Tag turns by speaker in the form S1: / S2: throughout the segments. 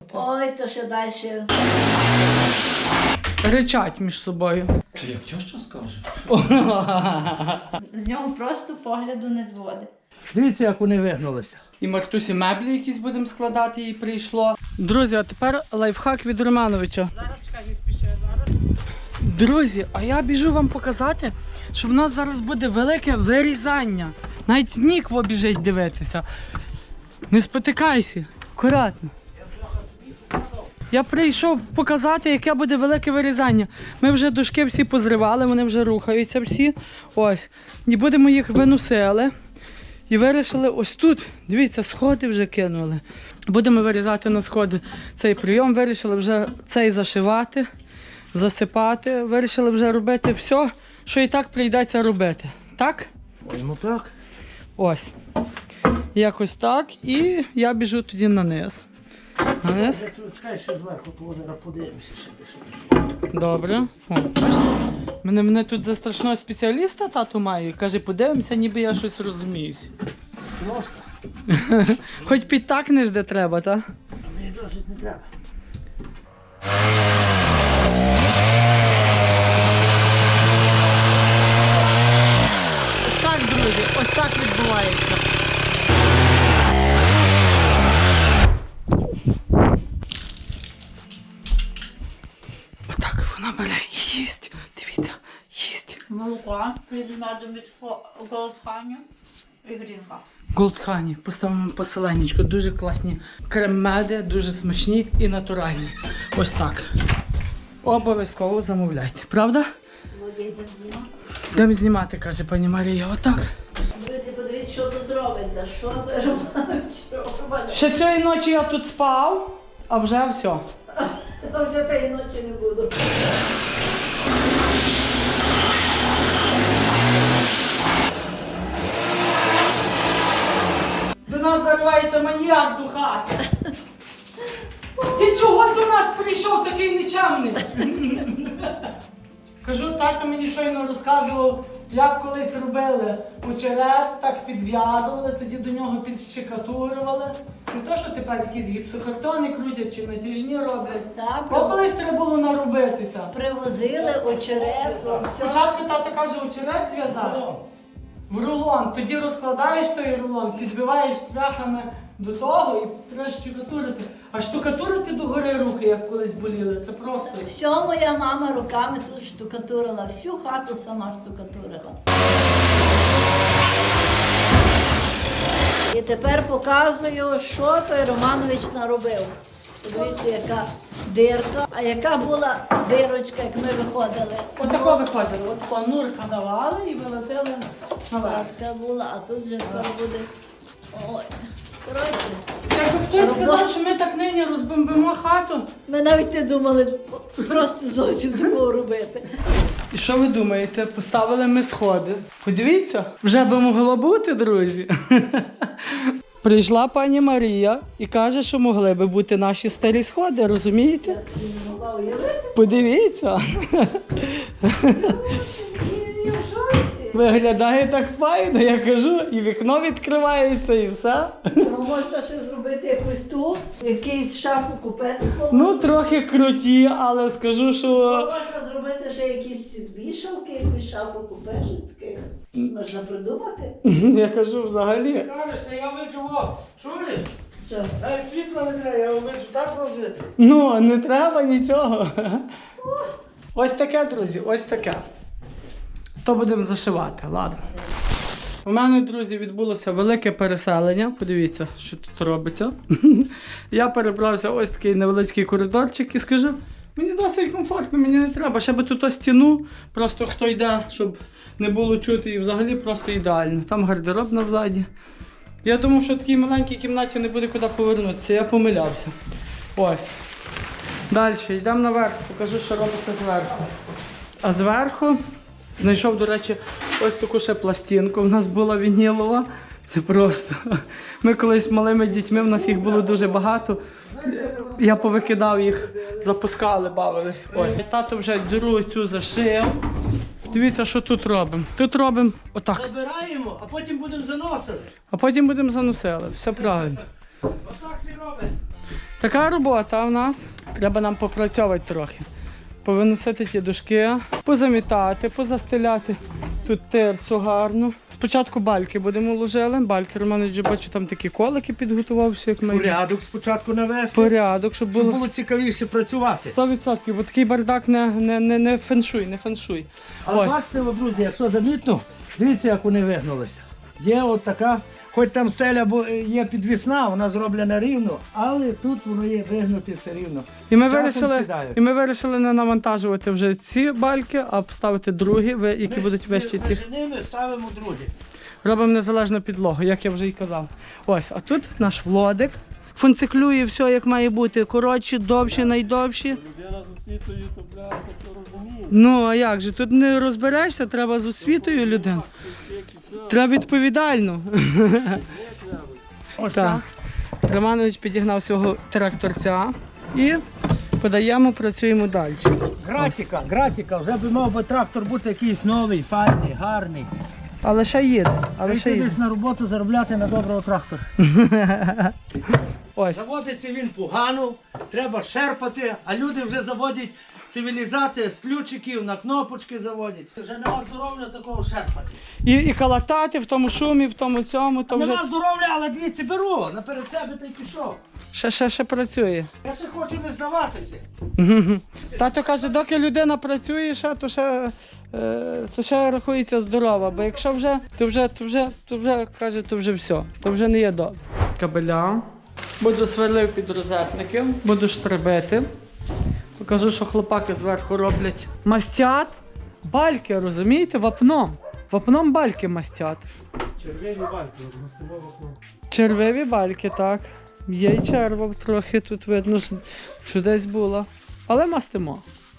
S1: Ой, то ще далі.
S2: Ричать між собою.
S3: Ти як тьоща скаже?
S1: З нього просто погляду не зводить.
S4: Дивіться, як вони вигнулися.
S2: І Мартусі меблі якісь будемо складати, їй прийшло. Друзі, а тепер лайфхак від Романовича.
S5: Зараз чекай, не спіши, зараз.
S2: Друзі, а я біжу вам показати, що в нас зараз буде велике вирізання. Навіть Нікво біжить дивитися. Не спотикайся, акуратно. Я прийшов показати, яке буде велике вирізання. Ми вже дошки всі позривали, вони вже рухаються всі. Ось. І будемо їх виносили. І вирішили ось тут, дивіться, сходи вже кинули. Будемо вирізати на сходи цей прийом, вирішили вже цей зашивати, засипати. Вирішили вже робити все, що і так прийдеться робити. Так?
S4: Ой, ну так.
S2: Ось. Якось так. І я біжу тоді на низ. На низ.
S4: Чекай, ще зверху, то зараз подивимося, ще.
S2: Добре. О, бачите? Мене тут за страшного спеціаліста тату має. Каже, подивимося, ніби я щось розуміюсь.
S4: Ножка.
S2: Хоч підтакнеш, де треба, так?
S4: А мені досить не треба.
S2: Ось так, друзі, ось так відбувається. Отак вона бере і їсть. Дивіться, їсть.
S1: Молоко від меду від голодханю і грінка.
S2: Голдхані, поставимо посиленечко. Дуже класні крем-меди, дуже смачні і натуральні. Ось так. Обов'язково замовляйте. Правда? Йдемо знімати, каже пані Марія. Отак.
S1: Друзі, подивіться, що тут робиться. Що той Романович робить.
S2: Ще цієї ночі я тут спав, а вже все.
S1: А вже тієї ночі не буду.
S2: До нас заривається маніяк до хати. Ти чого до нас прийшов такий нечемний? Кажу, тато мені щойно розказував, як колись робили очерет, так підв'язували, тоді до нього підщекатурували. Не то, що тепер якісь гіпсокартони крутять чи натяжні роблять.
S1: Так,
S2: Бо колись треба було наробитися.
S1: привозили очерет, все.
S2: Спочатку тато каже, очерет зв'язати в рулон, тоді розкладаєш той рулон, підбиваєш цвяхами до того і треба штукатурити. А штукатурити догори руки, як колись боліли, це просто.
S1: Все моя мама руками тут штукатурила, всю хату сама штукатурила. І тепер показую, що той Романович наробив. Подивіться, яка дирка, а яка була дирочка, як ми виходили.
S2: Отако виходило, от планурка давали і вилазили наверх.
S1: Така була, а тут вже тепер буде. Ой. Коротше,
S2: Якби хтось сказав, що ми так нині розбомбимо хату.
S1: ми навіть не думали просто зовсім такого робити.
S2: І що ви думаєте? Поставили ми сходи. Подивіться, вже би могло бути, друзі. Прийшла пані Марія і каже, що могли би бути наші старі сходи, розумієте?
S1: Я собі не могла уявити.
S2: Подивіться.
S1: Я в шоці.
S2: Виглядає так файно, я кажу, і вікно відкривається, і все.
S1: Можна ще зробити якусь ту, якийсь шафу купе.
S2: Ну, трохи круті, але скажу, що...
S1: Можна зробити ще якісь вішалки, якусь шафу купе, щось таке. Можна придумати.
S2: Я кажу, взагалі.
S4: Кажеш, я вичу, чуєш?
S1: Що?
S4: Навіть світла не треба, я вичу так зложити.
S2: Ну, не треба нічого. Ось таке, друзі, ось таке. То будемо зашивати, ладно. У мене, друзі, відбулося велике переселення. Подивіться, що тут робиться. Я перебрався ось такий невеличкий коридорчик і скажу, мені досить комфортно, мені не треба. Ще би тут стіну, просто хто йде, щоб не було чути, і взагалі просто ідеально. Там гардероб навзаді. Я думав, що в такій маленькій кімнаті не буде куди повернутися, я помилявся. Ось. Далі, йдемо наверх, покажу, що робиться зверху. А зверху знайшов, до речі, ось таку ще пластинку. У нас була вінілова. Це просто. Ми колись малими дітьми, в нас їх було дуже багато. Я повикидав їх, запускали, бавились. Ось. Тато вже діру цю зашив. Дивіться, що тут робимо. Тут робимо отак.
S4: Забираємо, а потім будемо заносити.
S2: А потім будемо заносили. Все правильно.
S4: Отак всі робить.
S2: Така робота в нас. Треба нам попрацьовувати трохи. Повиносити ті дошки, позамітати, позастеляти тут терцю гарну. Спочатку бальки будемо ложили. Бальки, Романович, я бачу, там такі колики підготувався, як ми.
S4: Порядок спочатку навести,
S2: Порядок, щоб
S4: щоб
S2: було
S4: було цікавіше працювати.
S2: 100%, бо такий бардак не феншуй, не феншуй.
S4: Але
S2: Ось.
S4: бачите, ви, друзі, якщо замітно, дивіться, як вони вигнулися. Є от така, хоч там стеля є підвісна, вона зроблена рівно, але тут воно є вигнуте все рівно.
S2: І ми,
S4: Часом сідають.
S2: вирішили не навантажувати вже ці бальки, а поставити другі, які будуть вищі ці.
S4: Між ними ставимо другі.
S2: Робимо незалежну підлогу, як я вже і казав. Ось, а тут наш Владик. Функціклює все, як має бути. Коротші, довші, найдовші.
S3: Людина з освітою, то бля, то розуміє.
S2: Ну, а як же? Тут не розберешся, треба з освітою людину. Треба відповідально.
S4: Ось
S2: Так. Романович підігнав свого тракторця і подаємо, працюємо далі.
S4: Гратіка, вже би мав би трактор бути якийсь новий, файний, гарний.
S2: Але ще їде, але ще
S4: Прийти
S2: їде.
S4: десь на роботу заробляти на доброго трактора.
S2: Ось.
S4: Заводиться він погано, треба шерпати, а люди вже заводять цивілізація з ключиків, на кнопочки заводять. Вже нема здоров'я такого шерпати.
S2: І калатати в тому шумі, в тому цьому, то вже
S4: Нема здоров'я, але дивіться, беру, наперед себе та й пішов.
S2: ще працює.
S4: Я ще хочу не здаватися.
S2: Тато каже, доки людина працює, то ще рахується здорова, бо якщо вже, то вже каже, то вже все, то вже не є добре. Кабеля. Буду сверлив під розетники, буду штребити. Покажу, що хлопаки зверху роблять. Мастять бальки, розумієте, вапном. Вапном бальки мастять.
S3: Червені бальки, гостове вапно.
S2: Червиві бальки, так. Є й черва трохи тут видно, що десь було. Але мастимо.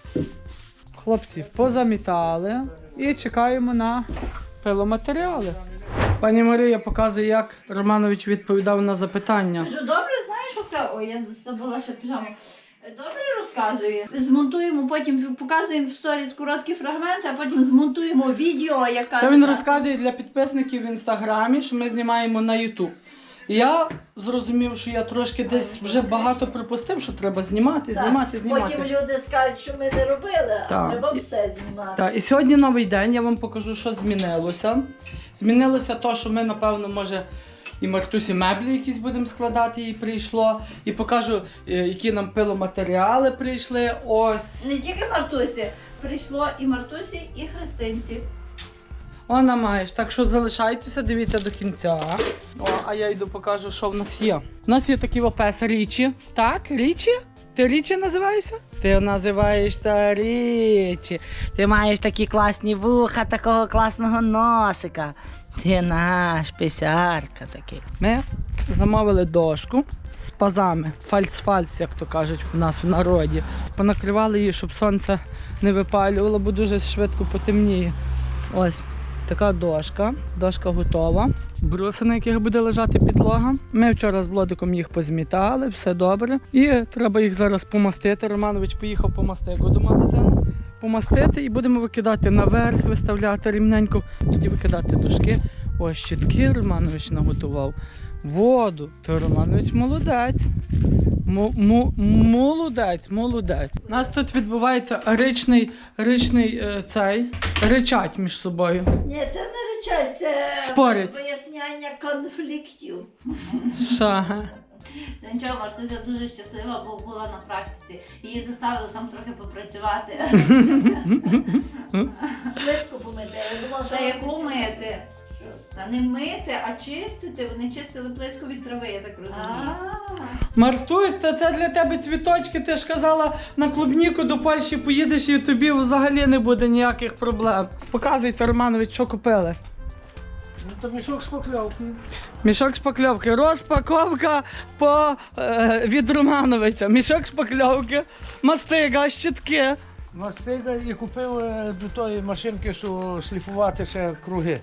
S2: Хлопці позамітали і чекаємо на пиломатеріали. Пані Марія показує, як Романович відповідав на запитання.
S1: Кажу, добре, знаєш, що сказав? Ой, я забула ще піжаму. Добре розказує. Змонтуємо, потім показуємо в сторіс короткі фрагменти, а потім змонтуємо відео, яка.
S2: Та він розказує для підписників в інстаграмі, що ми знімаємо на Ютуб. І я зрозумів, що я трошки десь вже багато припустив, що треба знімати.
S1: Потім люди скажуть, що ми не робили,
S2: Так.
S1: а треба все знімати.
S2: Так, і сьогодні новий день, я вам покажу, що змінилося. Змінилося те, що ми, напевно, може, і Мартусі меблі якісь будемо складати, їй прийшло. І покажу, які нам пиломатеріали прийшли. Ось.
S1: Не тільки Мартусі, прийшло і Мартусі, і Христинці.
S2: Вона маєш, так що залишайтеся, дивіться до кінця. О, а я йду покажу, що в нас є. У нас є такий опес Річі. Так, Річі? Ти Річі називаєшся? Ти називаєшся Річі. Ти маєш такі класні вуха, такого класного носика. Ти наш писярка такий. Ми замовили дошку з пазами. Фальц-фальц, як то кажуть в нас в народі. Понакривали її, щоб сонце не випалювало, бо дуже швидко потемніє. Ось. Така дошка. Дошка готова. Бруси, на яких буде лежати підлога. Ми вчора з Владиком їх позмітали, все добре. І треба їх зараз помастити. Романович поїхав по мастику до магазину. Помастити і будемо викидати наверх, виставляти рівненько. Тоді викидати дошки. Ось щітки Романович наготував. Воду. То Романович молодець. Молодець. У нас тут відбувається ричать між собою.
S1: Ні, це не речать, це
S2: Спорять.
S1: поясняння конфліктів.
S2: Шага.
S1: Та нічого, Мартуся дуже щаслива, бо була на практиці. Її заставили там трохи попрацювати. Плитку помити. Я думала, що яку мити? Та не мити, а чистити. Вони чистили плитку від трави, я так розумію.
S2: Мартусь, це для тебе цвіточки. Ти ж казала, на клубніку до Польщі поїдеш і тобі взагалі не буде ніяких проблем. Показуйте, Романович, що купили.
S4: Ну то мішок шпакльовки.
S2: Мішок шпакльовки. Розпаковка від Романовича. Мішок шпакльовки, мастига, щітки.
S4: Мастига і купив до тої машинки, що шліфувати ще круги.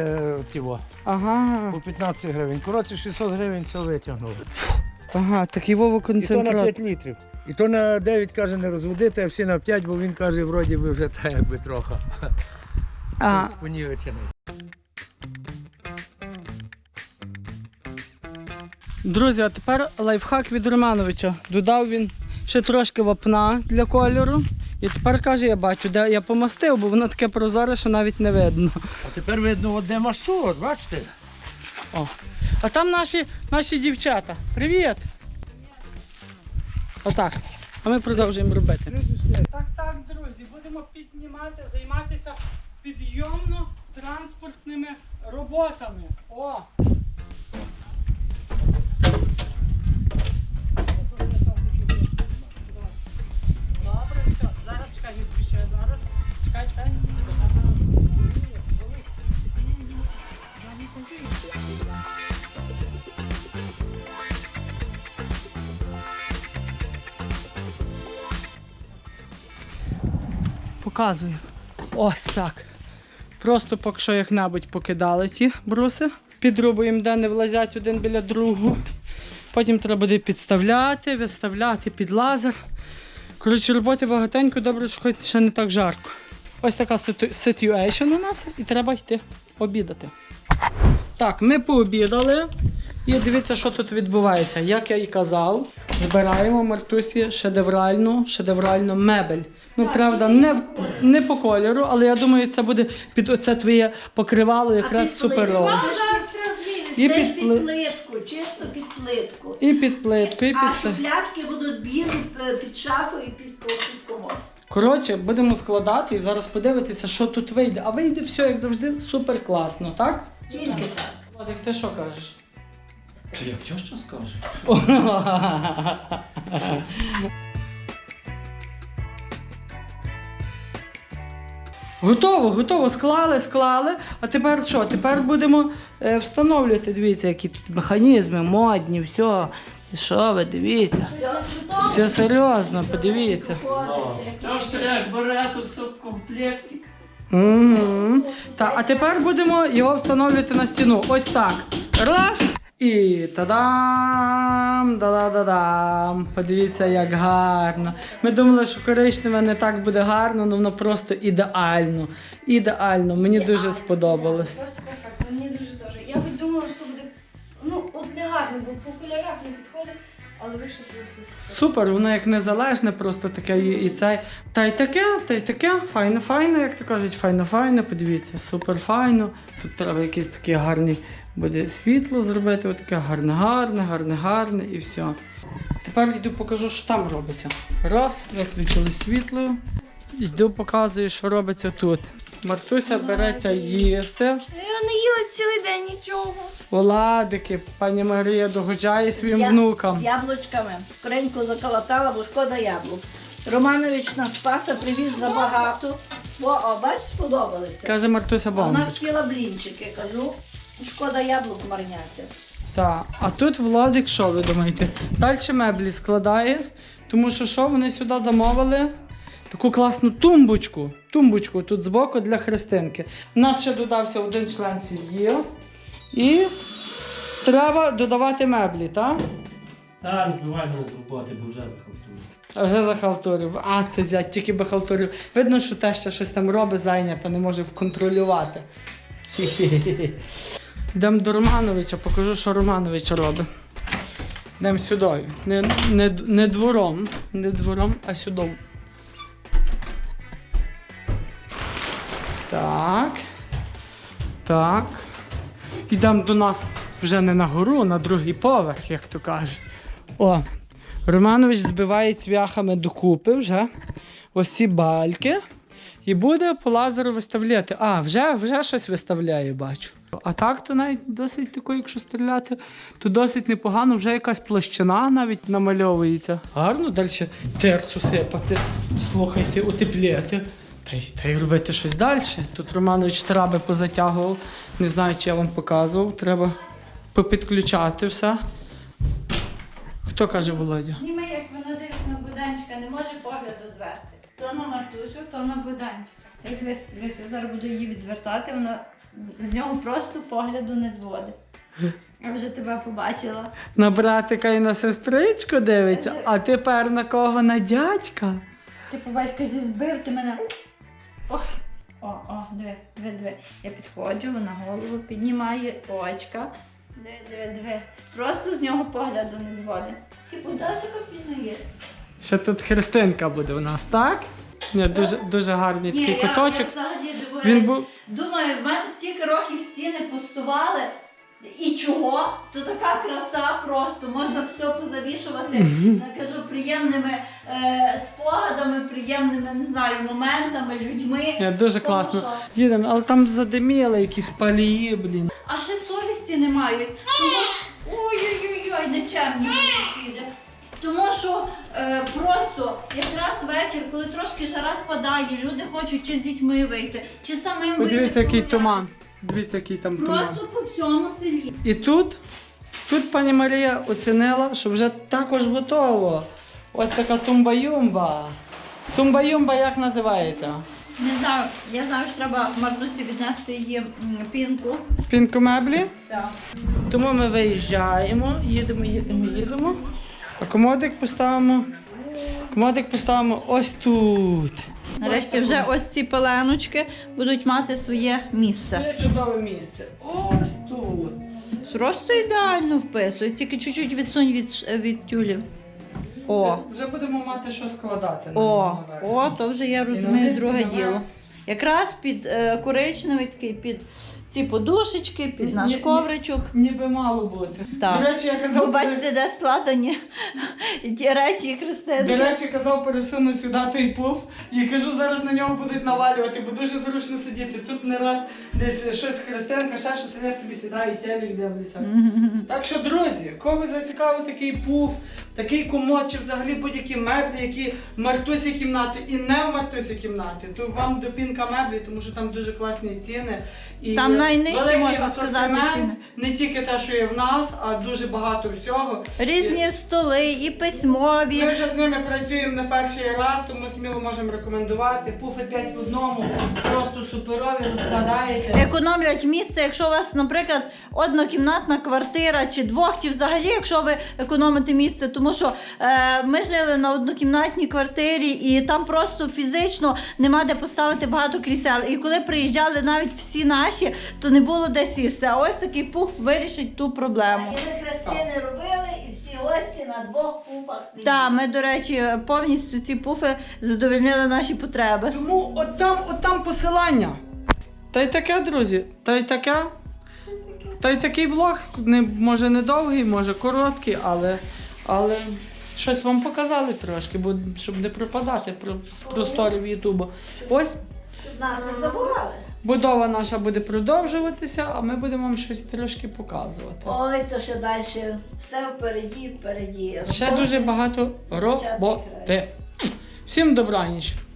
S2: Ага,
S4: По 15 гривень. Коротше, 600 гривень все витягнули.
S2: ага, такий Вова
S4: І то на
S2: концентрат.
S4: 5 літрів. І то на 9, каже, не розводити, а всі на 5, бо він каже, вроді би вже так якби трохи.
S2: А,
S4: Понівечений.
S2: Друзі, а тепер лайфхак від Романовича. Додав він ще трошки вапна для кольору. І тепер каже, я бачу, де я помастив, бо воно таке прозоре, що навіть не видно.
S4: А тепер видно, от де мащу, от бачите?
S2: О. А там наші дівчата. Привіт! Отак. А ми продовжуємо робити. Так, друзі, будемо піднімати, займатися підйомно-транспортними роботами. О! Добре, все. Зараз чекай, не спішай. Зараз. Чекай. Показую. Ось так. Просто поки що як-небудь покидали ті бруси. Підрубуємо, де не влазять один біля другого. Потім треба буде підставляти, виставляти під лазер. Коротше, роботи багатенько, добре, що хоч ще не так жарко. Ось така ситуейшн у нас і треба йти обідати. Так, ми пообідали. І дивіться, що тут відбувається. Як я і казав, збираємо Мартусі шедевральну мебель. Ну, правда, не по кольору, але я думаю, це буде під оце твоє покривало якраз суперово.
S1: І під плитку, чисто під плитку.
S2: І під плитку, і під
S1: А
S2: це.
S1: шухлядки будуть білі під шафу і під комод.
S2: Коротше, будемо складати і зараз подивитися, що тут вийде. А вийде все, як завжди, супер класно, так?
S1: Тільки так.
S2: Владик, ти що кажеш?
S4: Як що скаже?
S2: Готово, склали. А тепер що? Тепер будемо встановлювати. Дивіться, які тут механізми, модні, все. І що ви, дивіться. Все серйозно, подивіться.
S3: Та ж як бере тут все в комплектик.
S2: Угу. А тепер будемо його встановлювати на стіну. Ось так. Раз. І та-дам! Да-да-да-дам! Подивіться, як гарно. Ми думали, що коричневе не так буде гарно, але воно просто ідеально. Ідеально. Мені дуже сподобалось.
S6: Просто перфектно, мені дуже теж. Я би думала, що буде, ну, от не гарно, бо по кольорах не підходить, але вийшло просто супер.
S2: Супер, воно як незалежне, просто таке і цей. Та й таке, файно, як то кажуть, файно, подивіться, супер файно. Тут треба якийсь такий гарний буде світло зробити, отаке гарне і все. Тепер йду покажу, що там робиться. Раз, виключили світло. Йду показую, що робиться тут. Мартуся береться їсти.
S6: Я не їла цілий день нічого.
S2: Оладики, пані Марія догоджає своїм внукам.
S1: З яблучками. Скоренько заколотала, бо шкода яблук. Романович на Спаса привіз забагато. О, бач, сподобалися.
S2: Каже Мартуся
S1: Вона
S2: бомба.
S1: хотіла блінчики, кажу. Шкода яблук марняти.
S2: Так, а тут Владик, що ви думаєте? Далі меблі складає, тому що вони сюди замовили таку класну тумбочку. Тумбочку тут збоку для Христинки. У нас ще додався один член сім'ї. І треба додавати меблі, так?
S3: Так, збивай мене з роботи, бо вже захалтую.
S2: А вже захалтурив. А, ти зять, тільки би халтурив. Видно, що те, що щось там робить, зайнята, не може вконтролювати. Хі-хі-хі. Йдемо до Романовича, покажу, що Романович робить. Йдемо сюди. Не двором, а сюди. Так. Йдемо до нас вже не на гору, а на другий поверх, як то кажуть. О, Романович збиває цвяхами докупи вже ось ці бальки і буде по лазеру виставляти. А, вже щось виставляє, бачу. А так то навіть досить тако, якщо стріляти, то досить непогано, вже якась площина навіть намальовується. Гарно далі терцу сипати, слухайте, утепляти. Та й робити щось далі. Тут Романович траби позатягував, не знаю, чи я вам показував, треба попідключати все. Хто каже, Володя?
S1: Німе, як вона дивиться на буданчика, не може погляду звести. То на Мартусю, то на буданчика. Як дивися, зараз буду її відвертати, вона з нього просто погляду не зводить. Я вже тебе побачила.
S2: На братика і на сестричку дивиться, а тепер на кого? На дядька?
S1: Ти побач, кажи, збив ти мене. О, диви. Я підходжу, вона голову піднімає, очка. Диви. Просто з нього погляду не зводить. Ти подача копійна.
S2: Ще тут Христинка буде у нас, так? Ні, дуже гарний такий
S1: я
S2: куточок.
S1: взагалі
S2: Він був.
S1: думаю, в мене стільки років стіни пустували. І чого? То така краса просто, можна все позавішувати, я кажу, приємними спогадами, приємними, не знаю, моментами, людьми.
S2: Ні, дуже
S1: Тому
S2: класно.
S1: що-
S2: Їдемо, але там задиміли якісь палії, блін.
S1: А ще совісті не мають. Ой-ой-ой, нечемні сусіди. Тому що просто якраз вечір, коли трошки жара спадає, люди хочуть чи з дітьми вийти, чи самим вийти.
S2: Подивіться, який
S1: прогулятися.
S2: туман. Дивіться, який там туман.
S1: Просто по всьому селі.
S2: І тут пані Марія оцінила, що вже також готово. Ось така тумба-юмба. Тумба-юмба як називається?
S1: Не знаю, я знаю, що треба Мартусі віднести її пінку.
S2: Пінку меблі.
S1: Так.
S2: Тому ми виїжджаємо, їдемо. А комодик поставимо ось тут.
S1: Нарешті вже ось ці пеленочки будуть мати своє місце.
S2: Це чудове місце. Ось тут.
S1: Просто ідеально вписує, тільки чуть-чуть відсунь від тюлів. О,
S2: Вже будемо мати що складати.
S1: о, то вже я розумію
S2: наверх,
S1: друге
S2: і наверх.
S1: діло. Якраз під коричневий такий, під ці подушечки, під наш
S2: Ні,
S1: ковричок.
S2: Ніби мало бути.
S1: Так.
S2: До речі, я
S1: Ви
S2: казав,
S1: бачите, де складені ті речі
S2: до
S1: Христинки.
S2: речі, казав, пересуну сюди той пуф і кажу, зараз на нього будуть навалювати, бо дуже зручно сидіти. Тут не раз десь щось Христинка, ще щось, я собі сідаю, телек дивлюся. Так що, друзі, кого зацікавив такий пуф, такий комод, чи взагалі будь-які меблі, які в Мартусі кімнати і не в Мартусі кімнати, то вам до Пінка меблі, тому що там дуже класні ціни. І
S1: Там найнижчі,
S2: великий
S1: можна сказати,
S2: асортимент,
S1: ціни.
S2: Не тільки те, що є в нас, а дуже багато всього.
S1: Різні столи і письмові.
S2: Ми вже з ними працюємо не перший раз, тому сміло можемо рекомендувати. Пуфи 5 в одному, просто суперові, розкладаєте.
S1: Економлять місце, якщо у вас, наприклад, однокімнатна квартира чи двох, чи взагалі, якщо ви економите місце, тому що ми жили на однокімнатній квартирі і там просто фізично нема де поставити багато крісел. І коли приїжджали навіть всі наші, то не було де сісти. А ось такий пуф вирішить ту проблему.
S7: І ми Христини робили, і всі гості на двох пуфах сиділи.
S1: Так, ми, до речі, повністю ці пуфи задовольнили наші потреби.
S2: Тому от там посилання. Та й таке, друзі, та й таке. Та й такий влог, може не довгий, може короткий, але щось вам показали трошки, бо щоб не пропадати з просторів Ютубу. Ось
S7: Щоб нас не забували.
S2: будова наша буде продовжуватися, а ми будемо вам щось трошки показувати.
S7: Ой, то ще далі. Все впереді.
S2: Ще дуже багато роботи. Всім добраніч!